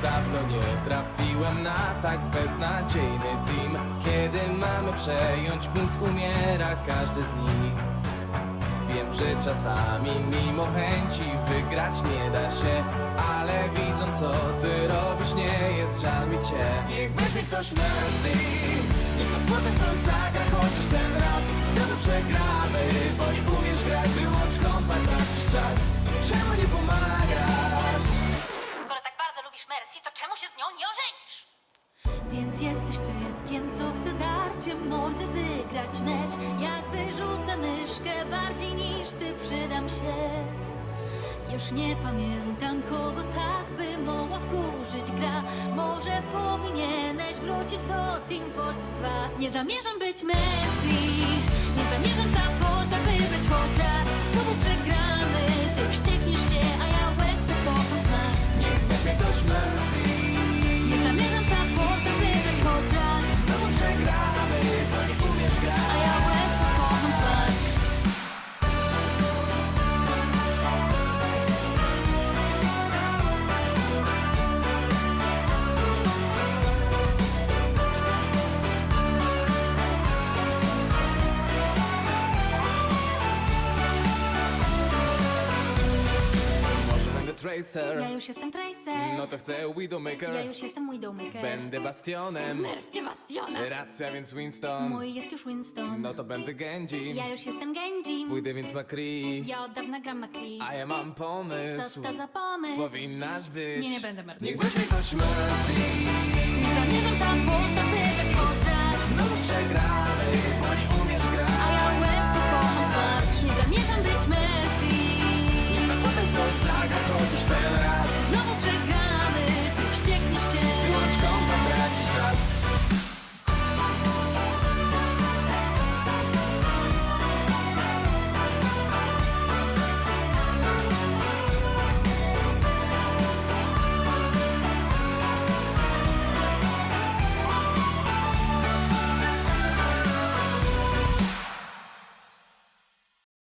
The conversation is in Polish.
Dawno nie trafiłem na tak beznadziejny team. Kiedy mamy przejąć punkt, umiera każdy z nich. Wiem, że czasami mimo chęci wygrać nie da się, ale widząc co ty robisz, nie jest żal mi cię. Niech weźmie ktoś mercy, niech za płotem to zagra chociaż ten raz. Znowu przegramy, bo nie umiesz grać, wyłącz kompa, tracisz czas. Czemu nie pomagasz? Skoro tak bardzo lubisz Mercy, to czemu się z nią nie ożenisz? Więc jesteś typkiem, co chce darciem mordy wygrać mecz. Jak wyrzucę myszkę bardziej niż ty, przydam się. Już nie pamiętam, kogo tak by mogła wkurzyć gra. Może powinieneś wrócić do Team Fortress 2. Nie zamierzam być Messi, nie zamierzam supporta wybrać choć raz. Znowu przegramy, ty wściekniesz się, a ja łez to kocham znak. Niech weźmie ktoś mercy, Nie zamierzam supporta wybrać choć raz. znowu przegramy, bo nie umiesz grać. A ja łez to kocham znak. Może będę Tracer, Ja już jestem Tracer. no to chcę Widowmaker. Ja już jestem Widowmaker. Będę Bastionem, Znerwcie Bastiona. racja więc Winston. Mój jest już Winston. No to będę Genji, Ja już jestem Genji. pójdę więc McCree. Ja od dawna gram McCree. A ja mam pomysł, Co to za pomysł? powinnaś być. Nie będę Mercy. Niech weźmie ktoś mercy, Nie zamierzam supporta